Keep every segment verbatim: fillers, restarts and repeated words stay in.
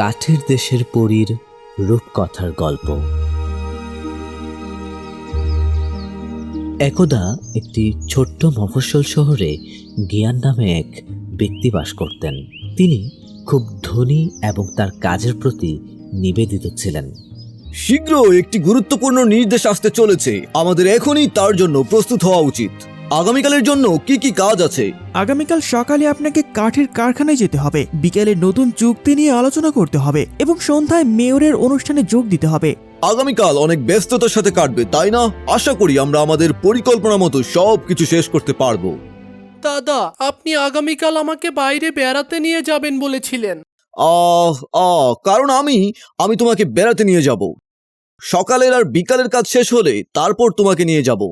কাঠের দেশের পরীর রূপকথার গল্প। একদা একটি ছোট্ট মফস্বল শহরে গিয়ান নামে এক ব্যক্তি বাস করতেন। তিনি খুব ধনী এবং তার কাজের প্রতি নিবেদিত ছিলেন। শীঘ্র একটি গুরুত্বপূর্ণ নির্দেশ আসতে চলেছে, আমাদের এখনই তার জন্য প্রস্তুত হওয়া উচিত। আগামীকালের জন্য কি কি কাজ আছে? আগামীকাল সকালে আপনাকে কাঠের কারখানায় যেতে হবে, বিকেলে নতুন চুক্তি নিয়ে আলোচনা করতে হবে এবং সন্ধ্যায় মেয়রের অনুষ্ঠানে যোগ দিতে হবে। আগামীকাল অনেক ব্যস্ততার সাথে কাটবে, তাই না? আশা করি আমরা আমাদের পরিকল্পনা মতো সব কিছু শেষ করতে পারবো। দাদা, আপনি আগামীকাল আমাকে বাইরে বেড়াতে নিয়ে যাবেন বলেছিলেন। আহ আহ কারণ আমি আমি তোমাকে বেড়াতে নিয়ে যাব। সকালের আর বিকালের কাজ শেষ হলে তারপর তোমাকে নিয়ে যাব।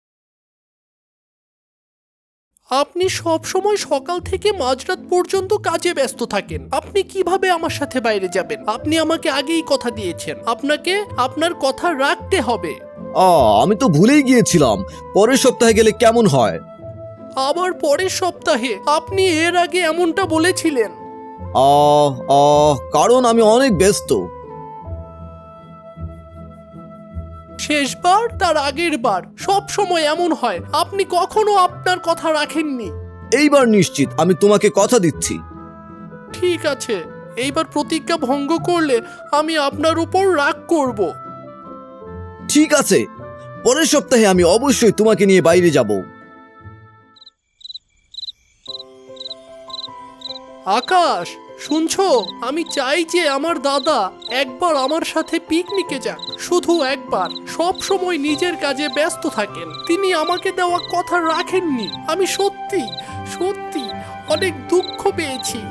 আপনি সব সময় সকাল থেকে মাঝরাত পর্যন্ত কাজে ব্যস্ত থাকেন। আপনি কিভাবে আমার সাথে বাইরে যাবেন? আপনি আমাকে আগেই কথা দিয়েছেন, আপনাকে আপনার কথা রাখতে হবে। আহ আমি তো ভুলেই গিয়েছিলাম। পরের সপ্তাহে গেলে কেমন হয়? আবার পরের সপ্তাহে? আপনি এর আগে এমনটা বলেছিলেন। আহ আহ কারণ আমি অনেক ব্যস্ত। শেষবার তার আগের বার সব সময় এমন হয়, আপনি কখনো আপনার কথা রাখেননি। এইবার নিশ্চিত আমি তোমাকে কথা দিচ্ছি। ঠিক আছে, এইবার প্রতিজ্ঞা ভঙ্গ করলে আমি আপনার উপর রাগ করব। ঠিক আছে, পরের সপ্তাহে আমি অবশ্যই তোমাকে নিয়ে বাইরে যাব। আকাশ, শুনছো? আমি চাই যে আমার দাদা একবার আমার সাথে পিকনিকে যাক, শুধু একবার। সব সময় নিজের কাজে ব্যস্ত থাকেন, তিনি আমাকে দেওয়া কথা রাখেননি। আমি সত্যি সত্যি অনেক দুঃখ পেয়েছি।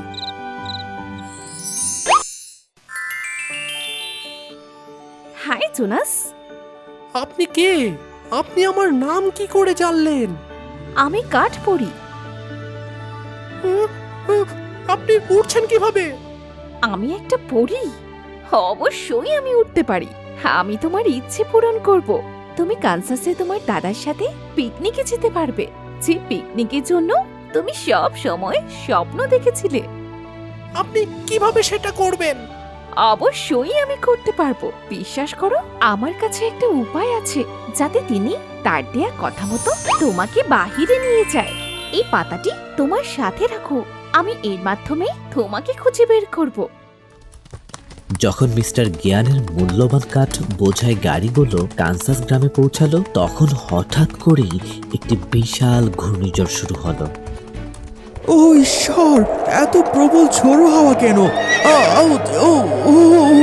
Hi Jonas. আপনি কে? আপনি আমার নাম কি করে জানলেন? আমি কাঠ পড়ি। হুঁ, হুঁ, আপনি উঠছেন কিভাবে? আমি একটা পড়ি। অবশ্যই আমি উঠতে পারি। আমি তোমার ইচ্ছে পূরণ করব। তুমি কানসাসে তোমার দাদার সাথে পিকনিকে যেতে পারবে, যে পিকনিকের জন্য তুমি সব সময় স্বপ্ন দেখেছিলে। আপনি কিভাবে সেটা করবেন? অবশ্যই আমি করতে পারবো, বিশ্বাস করো। আমার কাছে একটা উপায় আছে যাতে তিনি তার দেয়া কথা মতো তোমাকে বাহিরে নিয়ে যায়। এই পাতাটি তোমার সাথে রাখো, আমি এর মাধ্যমে তোমাকে খুঁজে বের করব। যখন মিস্টার গিয়ানের মূল্যবান কাঠ বোঝাই গাড়িগুলো কানসাস গ্রামে পৌঁছালো, তখন হঠাৎ করেই একটি বিশাল ঘূর্ণিঝড় শুরু হলো। ও ঈশ্বর, এত প্রবল ঝোড়ো হাওয়া কেন? আ, আউ, ও, ও, ও।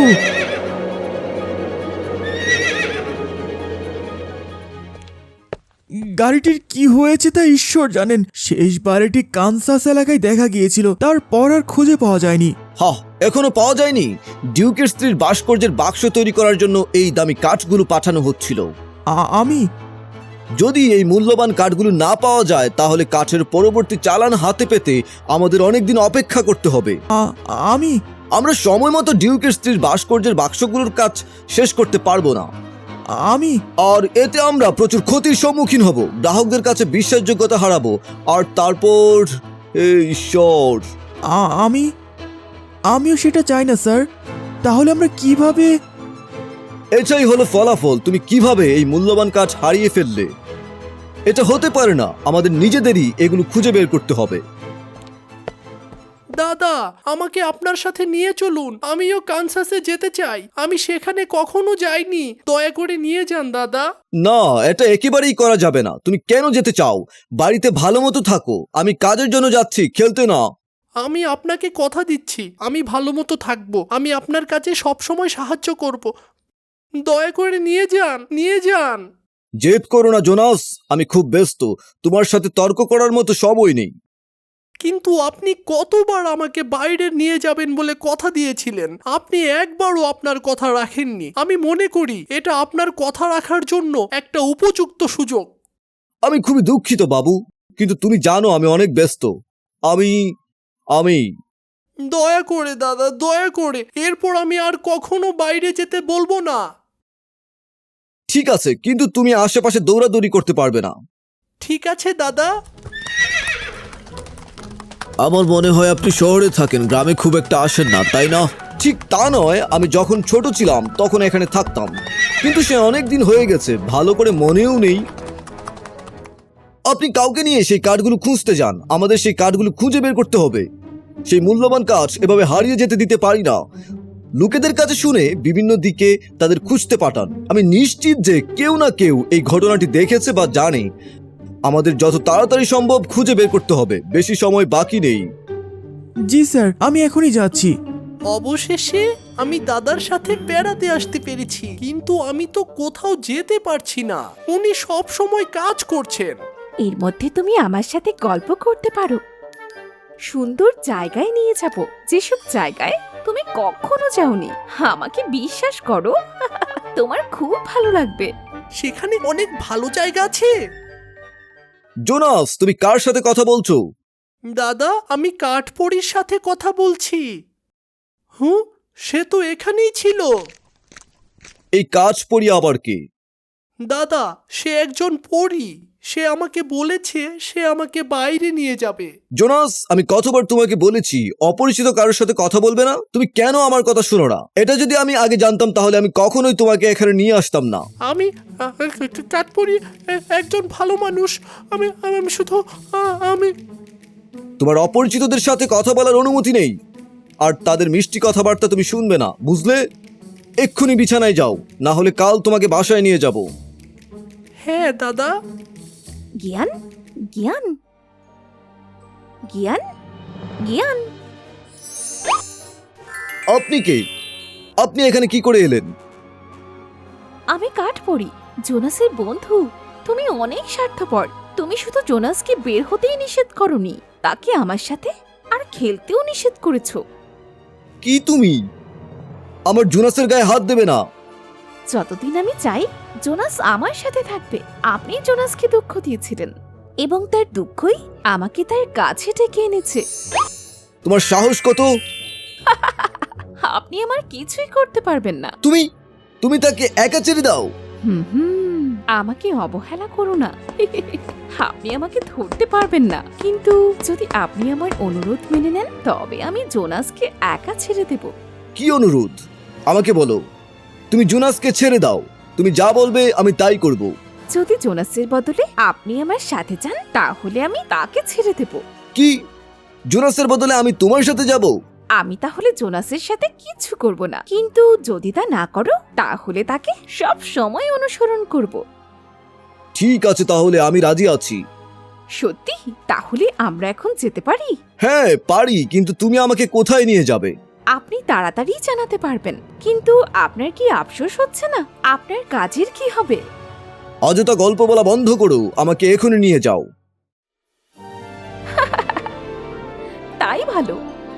গাড়িটির কি হয়েছে তা ঈশ্বর জানেন। শেষবার এটি কানসাস এলাকায় দেখা গিয়েছিল, তারপর আর খুঁজে পাওয়া যায়নি। হা, এখনো পাওয়া যায়নি? ডিউকের স্ত্রীর ভাস্কর্যের বাক্স তৈরি করার জন্য এই দামি কাঠগুলো পাঠানো হচ্ছিল। আ- আমি যদি এই মূল্যবান কাঠগুলো না পাওয়া যায়, তাহলে কাঠের পরবর্তী চালান হাতে পেতে আমাদের অনেকদিন অপেক্ষা করতে হবে। আ- আমি আমরা সময় মতো ডিউকের স্ত্রীর ভাস্কর্যের বাক্সগুলোর কাজ শেষ করতে পারবো না, আমি আর এতে আমরা প্রচুর ক্ষতির সম্মুখীন হব, গ্রাহকদের কাছে বিশ্বাসযোগ্যতা হারাবো, আর তারপর হে ঈশ্বর। আ- আমি আমিও সেটা চাই না স্যার। তাহলে আমরা কিভাবে? এটাই হলো ফলাফল। তুমি কিভাবে এই মূল্যবান কাঠ হারিয়ে ফেললে? এটা হতে পারে না, আমাদের নিজেদেরই এগুলো খুঁজে বের করতে হবে। দাদা, আমাকে আপনার সাথে নিয়ে চলুন, আমিও কানসাসে যেতে চাই। আমি সেখানে কখনো যাইনি, দয়া করে নিয়ে যান দাদা। না, এটা একেবারেই করা যাবে না। তুমি কেন যেতে চাও? বাড়িতে ভালো মতো থাকো। আমি কাজের জন্য যাচ্ছি, খেলতে না। আমি আপনাকে কথা দিচ্ছি, আমি ভালো মতো থাকবো। আমি আপনার কাছে সবসময় সাহায্য করব। দয়া করে নিয়ে যান, নিয়ে যান। জেদ করো না জোনাস, আমি খুব ব্যস্ত। তোমার সাথে তর্ক করার মতো সময় নেই। কিন্তু আপনি কতবার আমাকে বাইরে নিয়ে যাবেন বলে কথা দিয়েছিলেন, আপনি একবারও আপনার কথা রাখেননি। আমি মনে করি এটা আপনার কথা রাখার জন্য একটা উপযুক্ত সুযোগ। আমি খুবই দুঃখিত বাবু, কিন্তু তুমি জানো আমি অনেক ব্যস্ত। আমি আমি দয়া করে দাদা, দয়া করে, এরপর আমি আর কখনো বাইরে যেতে বলবো না। ঠিক আছে, কিন্তু তুমি আশেপাশে দৌড়াদৌড়ি করতে পারবে না। ঠিক আছে দাদা। আমার মনে হয় আপনি শহরে থাকেন, গ্রামে খুব একটা আসেন না, তাই না? ঠিক তা নয়, আমি যখন ছোট ছিলাম তখন এখানে থাকতাম, কিন্তু সে অনেক দিন হয়ে গেছে, ভালো করে মনেও নেই। আপনি কাউকে নিয়ে সেই কাঠগুলো খুঁজতে যান, আমাদের সেই কাঠগুলো খুঁজে বের করতে হবে। সেই মূল্যবান কাঠ এভাবে হারিয়ে যেতে দিতে পারি না। লোকেদের কাছে শুনে বিভিন্ন দিকে তাদের খুঁজতে পাঠান। আমি নিশ্চিত যে কেউ না কেউ এই ঘটনাটি দেখেছে বা জানে। আমাদের যত তাড়াতাড়ি সম্ভব খুঁজে বের করতে হবে, বেশি সময় বাকি নেই। জি স্যার, আমি এখনই যাচ্ছি। অবশেষে আমি দাদার সাথে বেড়াতে আসতে পেরেছি, কিন্তু আমি তো কোথাও যেতে পারছি না। উনি সব সময় কাজ করছেন। এর মধ্যে তুমি আমার সাথে গল্প করতে পারো। সুন্দর জায়গায় নিয়ে যাব, যেসব জায়গায় তুমি কখনো যাওনি। আমাকে বিশ্বাস করো, তোমার খুব ভালো লাগবে। সেখানে অনেক ভালো জায়গা আছে। জোনাস, তুমি কার সাথে কথা বলছো? দাদা, আমি কাঠপড়ির সাথে কথা বলছি। হুঁ, সে তো এখানেই ছিল। এই কাজ পড়ি আবার কে? দাদা, সে একজন পরী। সে আমাকে বলেছে সে আমাকে বাইরে নিয়ে যাবে। জোনাস, আমি কতবার তোমাকে বলেছি অপরিচিত কারোর সাথে কথা বলবে না? তুমি কেন আমার কথা শোনো না? এটা যদি আমি আগে জানতাম তাহলে আমি কখনোই তোমাকে এখানে নিয়ে আসতাম না। আমি আহ, কাঠপড়ি এ- একজন ভালো মানুষ। আমি আমি শুধু আহ, আমি তোমার অপরিচিতদের সাথে কথা বলার অনুমতি নেই, আর তাদের মিষ্টি কথাবার্তা তুমি শুনবে না, বুঝলে? এক্ষুনি বিছানায় যাও, না হলে কাল তোমাকে বাসায় নিয়ে যাব। হ্যাঁ দাদা। জ্ঞান, জ্ঞান, জ্ঞান, জ্ঞান। আপনি কে? আপনি এখানে কি করে এলেন? আমি কাঠপড়ি, জোনাসের বন্ধু। তুমি অনেক স্বার্থপর। তুমি শুধু জোনাসকে বের হতেই নিষেধ করনি, তাকে আমার সাথে আর খেলতেও নিষেধ করেছো। কি তুমি? আমার জোনাসের গায়ে হাত দেবে না। যতদিন আমি চাই জোনাস আমার সাথে থাকবে। আপনি জোনাসকে দুঃখ দিয়েছিলেন এবং তার দুঃখই আমাকে তার কাছে ডেকে এনেছে। তোমার সাহস কত? আপনি আমার কিছুই করতে পারবেন না। তুমি তুমি তাকে একা ছেড়ে দাও। হুম হুম আমাকে অবহেলা করো না। আপনি আমাকে ধরতে পারবেন না, কিন্তু যদি আপনি আমার অনুরোধ মেনে নেন তবে আমি জোনাসকে একা ছেড়ে দেব। কি অনুরোধ? আমাকে বলো। তুমি জোনাসকে ছেড়ে দাও, তুমি যা বলবে আমি তাই করব। যদি জোনাসের বদলে আপনি আমার সাথে যান তাহলে আমি তাকে ছেড়ে দেব। কি? জোনাসের বদলে আমি তোমার সাথে যাব? আমি তাহলে জোনাসের সাথে কিছু করব না, কিন্তু যদি তা না করো তাহলে তাকে সব সময় অনুসরণ করব। ঠিক আছে, তাহলে আমি রাজি আছি। সত্যি? তাহলে আমরা এখন যেতে পারি? হ্যাঁ পারি, কিন্তু তুমি আমাকে কোথায় নিয়ে যাবে? আপনি তাড়াতাড়ি জানাতে পারবেন, কিন্তু আপনার কি আফসোস হচ্ছে না? আপনার কাজের কি হবে? অযথা গল্প বলা বন্ধ করো, আমাকে এখনই নিয়ে যাও। তাই ভালো।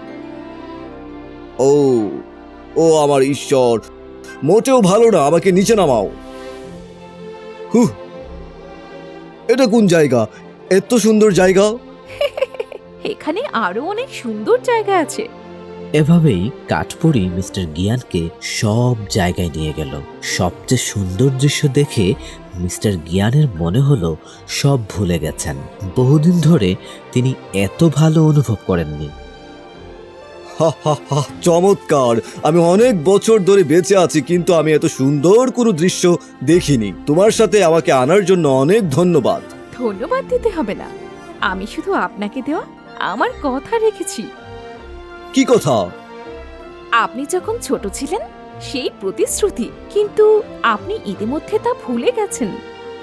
ও ও আমার ঈশ্বর, মোটেও ভালো না, আমাকে নিচে নামাও। হুহ, এটা কোন জায়গা? এত সুন্দর জায়গা। এখানে আরো অনেক সুন্দর জায়গা আছে। এভাবেই কাঠপড়ি মিস্টার গিয়ানকে সব জায়গায় নিয়ে গেল। সবচেয়ে সুন্দর দৃশ্য দেখে মিস্টার গিয়ানের মনে হলো সব ভুলে গেছেন। বহুদিন ধরে তিনি এত ভালো অনুভব করেননি। হা হা হা, চমৎকার! আমি অনেক বছর ধরে বেঁচে আছি, কিন্তু আমি এত সুন্দর কোনো দৃশ্য দেখিনি। তোমার সাথে আমাকে আনার জন্য অনেক ধন্যবাদ। ধন্যবাদ দিতে হবে না, আমি শুধু আপনাকে দেওয়া আমার কথা রেখেছি। কি কথা? আপনি যখন ছোট ছিলেন সেই প্রতিশ্রুতি, কিন্তু আপনি ইতিমধ্যে তা ভুলে গেছেন।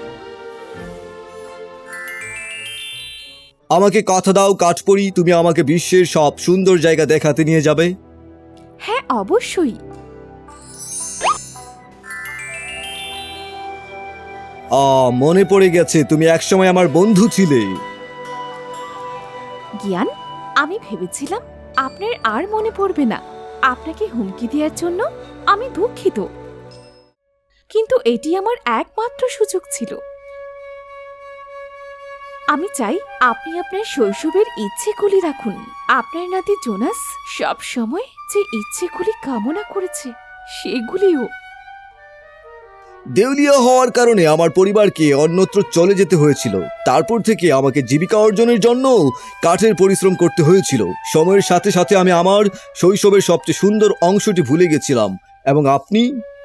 আমাকে কথা দাও কাঠপড়ি, তুমি আমাকে বিশ্বের সব সুন্দর জায়গা দেখাতে নিয়ে যাবে। হ্যাঁ অবশ্যই। আ মনে পড়ে গেছে, তুমি একসময় আমার বন্ধু ছিলে। জ্ঞান, আমি ভেবেছিলাম আপনার আর মনে পড়বে না। আপনাকে হুমকি দেওয়ার জন্য আমি দুঃখিত, কিন্তু এটি আমার একমাত্র সুযোগ ছিল। আমি চাই আপনি আপনার শৈশবের ইচ্ছেগুলি রাখুন। আপনার নাতি জোনাস সব সময় যে ইচ্ছেগুলি কামনা করেছে সেগুলিও। দেউলিয়া হওয়ার কারণে আমার পরিবারকে অন্যত্র চলে যেতে হয়েছিল। তারপর থেকে আমাকে জীবিকা অর্জনের জন্য কাঠের পরিশ্রম করতে হয়েছিল। সময়ের সাথে সাথে আমি আমার শৈশবের সবচেয়ে সুন্দর অংশটি ভুলে গেছিলাম। এবং আপনি?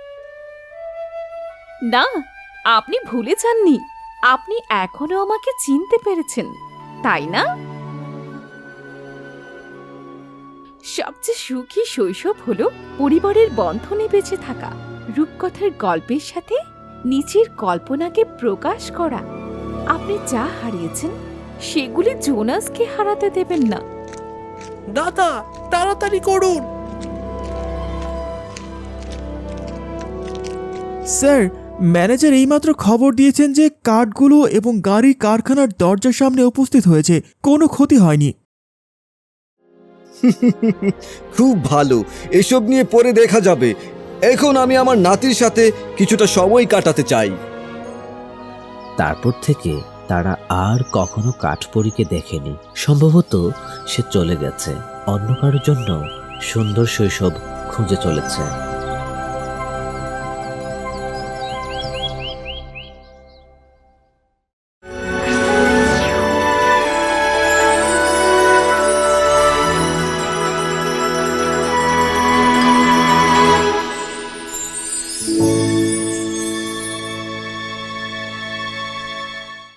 না, আপনি ভুলে যাননি। আপনি এখনো আমাকে চিনতে পেরেছেন, তাই না? সবচেয়ে সুখী শৈশব হলো পরিবারের বন্ধনে বেঁচে থাকা, রূপকথার গল্পের সাথে নিজের কল্পনাকে প্রকাশ করা। আপনি যা হারিয়েছেন সেগুলি জোনাসকে হারাতে দেবেন না। দাদা, তাড়াতাড়ি করুন। স্যার, ম্যানেজার এইমাত্র খবর দিয়েছেন যে কাঠগুলো এবং গাড়ি কারখানার দরজার সামনে উপস্থিত হয়েছে। কোনো ক্ষতি হয়নি। খুব ভালো, এসব নিয়ে পরে দেখা যাবে। এখন আমি আমার নাতির সাথে কিছুটা সময় কাটাতে চাই। তারপর থেকে তারা আর কখনো কাঠপরীকে দেখেনি। সম্ভবত সে চলে গেছে, অন্য কারোর জন্য সুন্দর শৈশব খুঁজে চলেছে।